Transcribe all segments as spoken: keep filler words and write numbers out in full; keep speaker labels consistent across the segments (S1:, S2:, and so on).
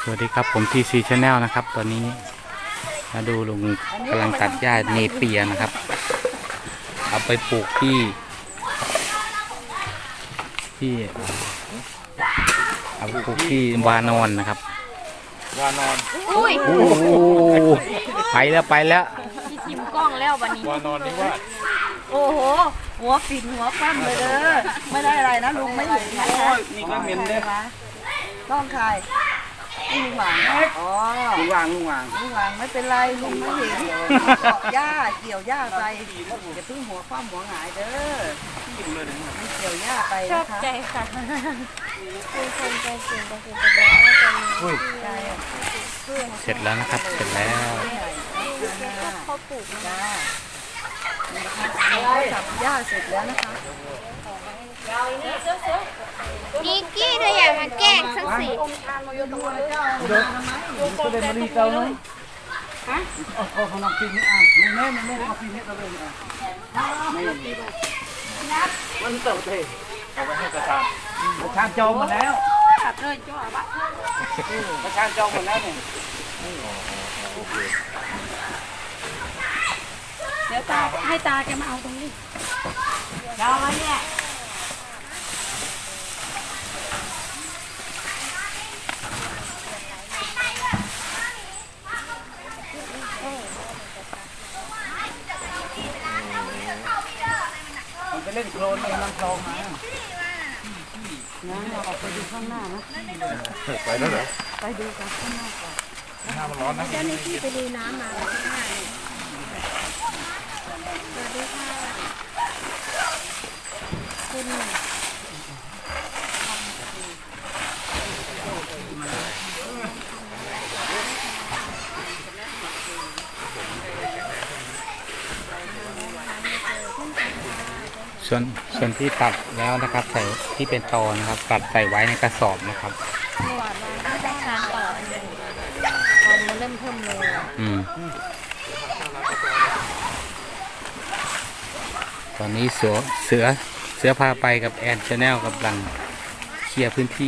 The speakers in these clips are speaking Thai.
S1: สวัสดีครับผม ที ซี Channel นะครับตอนนี้มาดูลุงกำลังตัดหญ้าเนเปียนะครับเอาไปปลูกที่ที่เอาไปปลูกที่วานอนนะครับ
S2: วานอน
S3: อุ้ย
S1: โอ้โหไปแล้วไปแล้ว
S3: พี่ทิมกล้องแล้ววันนี้
S2: วานอนนี่ว่า
S4: โอ้โหหัวปิ่นหัวคว่ำเลยเด้อไม่ได้อะไรนะลุงไม่เห็นนะคะ
S2: นี่ก็เหม็นเลย
S4: ต้องใครลุงหวางอ๋อ
S2: ลุงวางลุงวาง
S4: ลุงหวางไม่เป็นไรลุงไม่เห็นเกาะหญ้าเกี่ยวหญ้าไปอย่าเพิ่งหัวคว่ำหัวหงายเด้อไม่เกี่ยวหญ้าไป
S3: ชอ
S4: นะ
S3: บ
S4: คะ
S3: ใจค่ะเป็นคนใจเก่งก็คือจะได้ใจ
S4: ใช่
S1: เสร็จแล้วนะครับเสร็จแล้ว
S3: เขาปลูก
S4: จ้าจับหญ้าเสร็จแล้วนะคะ
S3: นิกกี้เธออยากมาแกล้งสักสิ
S2: ก็เป็นมะลิเก่าเนาะฮะเอาของน้ำกินนี่อ่ะลุงแม่มันไม่เอากินให้เราเลยอ่ะไม่มันเติบเตะเอาไปให้ประชาประชาจองหมดแล้วเลยจ้าบ้าประชาจองหมดแล้วเนี่ย
S4: เดี๋ยวตาให้ตาแกมาเอาตรงนี้ยาวไหมเนี่ย
S2: มันไปเล่นโคลนในลำคลองมา
S4: นะเราออกไปดูข้างหน้านะ
S2: ไปแล้วเหรอ
S4: ไปดูกันข้างหน้าก่อน
S2: หน้ามันร้อนนะ
S3: เจ้าหน้าที่ไปดูน้ำมาข้างหน้าสวัสดีค่ะคุณ
S1: ส่วนส่วนที่ตัดแล้วนะครับใส่ที่เป็นตอนะครับตัดใส่ไว้ในกระสอบนะครับ
S3: เมื่อวานมาได้ทานต่อตอนมาเริ่มเพิ่มเลย
S1: อืมตอนนี้เสือเสือเสือพาไปกับแอนชาแนลกำลังเคลียร์พื้นที่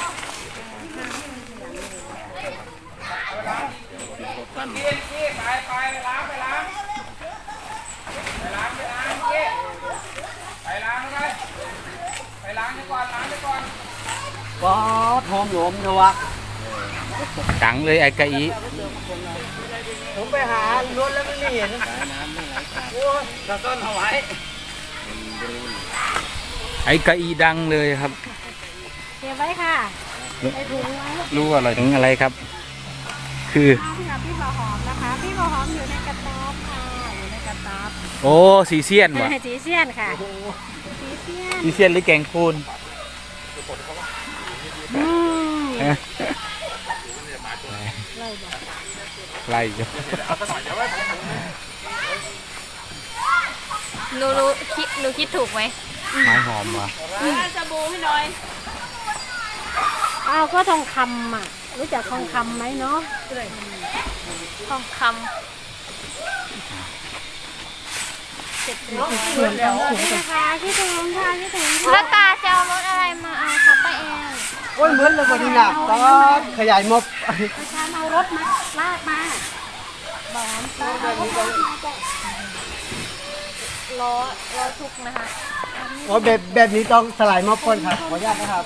S2: ก็หอมหลวมเถอะวะ
S1: ดังเลยไอ้กะอี
S2: ผมไปหารถแล้วไม่เห็นโอ้ยตะต้นเอาไว้
S1: ไอ้กะอีดังเลยครับ
S3: เก็บไว้ค่ะใส่ถุงไว้
S1: รู้อะไรถึงอะไรครับ คือ
S3: พี่กับพี่บอหอมนะคะ พี่บอหอมอยู่ในกระต๊อบค่ะอยู่ในกระต๊อบ
S1: โอ้สีเซียนวะ
S3: สีเซียนค่ะสีเซียน
S1: สีเซียนหรือแกงคูน
S3: อืม
S1: ฮะ
S3: ไล่บอก
S1: ไล่อยู่
S3: หนูรู้คิดหนูคิดถูกไหม
S1: ไม้หอมวะ
S4: สบู่ให้หน่อย
S3: อ้าวก็ทองคำอ่ะรู้จักทองคำไหมเนาะทองคำเสร็จแล้วนี่นะคะพี่ถุงค่ะพี่ถุงแล้วตาจะเอารถอะไรมาเอาคะป้าแอน
S2: โอ้ยเหมือนเลยคนที่หนักก็ขยายมบ
S3: ประชาเอารถมาลากมาบอมตาเอารถมาจ้ะล้อล้อทุกนะคะ
S2: โอ้แบบแบบนี้ต้องสลายมบก่อนครับขออนุญาตนะครับ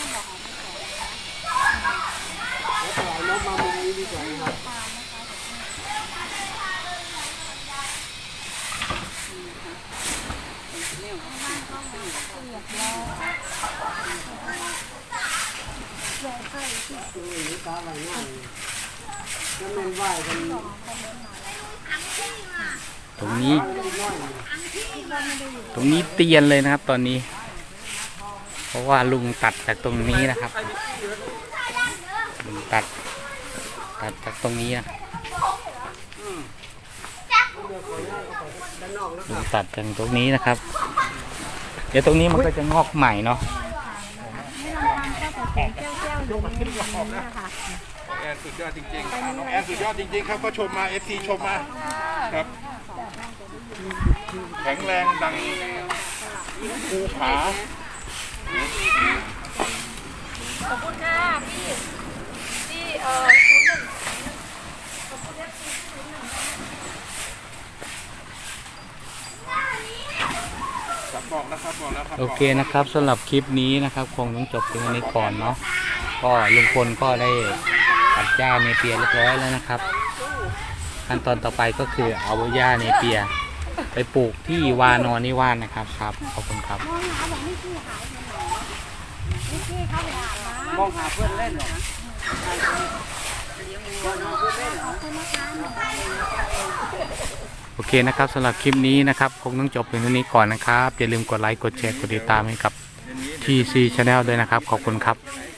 S2: สลายมบมามุมนี้ดีกว่านะครับ
S1: ตรงนี้ ตรงนี้เตียนเลยนะครับ ตอนนี้ เพราะว่าลุงตัดจากตรงนี้นะครับลุงตัด ตัดจากตรงนี้นะลุงตัดจากตรงนี้นะครับ เดี๋ยวตรงนี้มันก็จะงอกใหม่เนาะ
S3: ไม่ลำพังก็แต่แก้วๆอยู่ในนี้นะคะ
S2: แอนสุดยอดจริงๆน้องแอนสุดยอดจริงๆครับก็ชมมา เอฟ ซี ชมมาครับแข็งแรงดังภูผา
S3: ขอบคุณค่ะพี่พี่เอ่อ
S1: โอเคนะครับสำหรับคลิปนี้นะครับคงต้องจบเพียงเท่านี้ก่อนเนาะก็ลุงพลก็ได้ตัดหญ้าเนเปียเรียบร้อยแล้วนะครับขั้นตอนต่อไปก็คือเอาหญ้าเนเปียไปปลูกที่วานอนนิวาสนะครับครับขอบคุณครับ
S3: มองหาบอกไม่ขี้หายไปไหนไม่ขี้เข้าไปอาบน้ำ
S2: มองหาเพื่อนเล่นเหรอ
S1: โอเคนะครับสำหรับคลิปนี้นะครับคงต้องจบเพียงเท่านี้ก่อนนะครับอย่าลืมกดไลค์กดแชร์กดติดตามให้กับ ที ซี Channel ด้วยนะครับขอบคุณครับ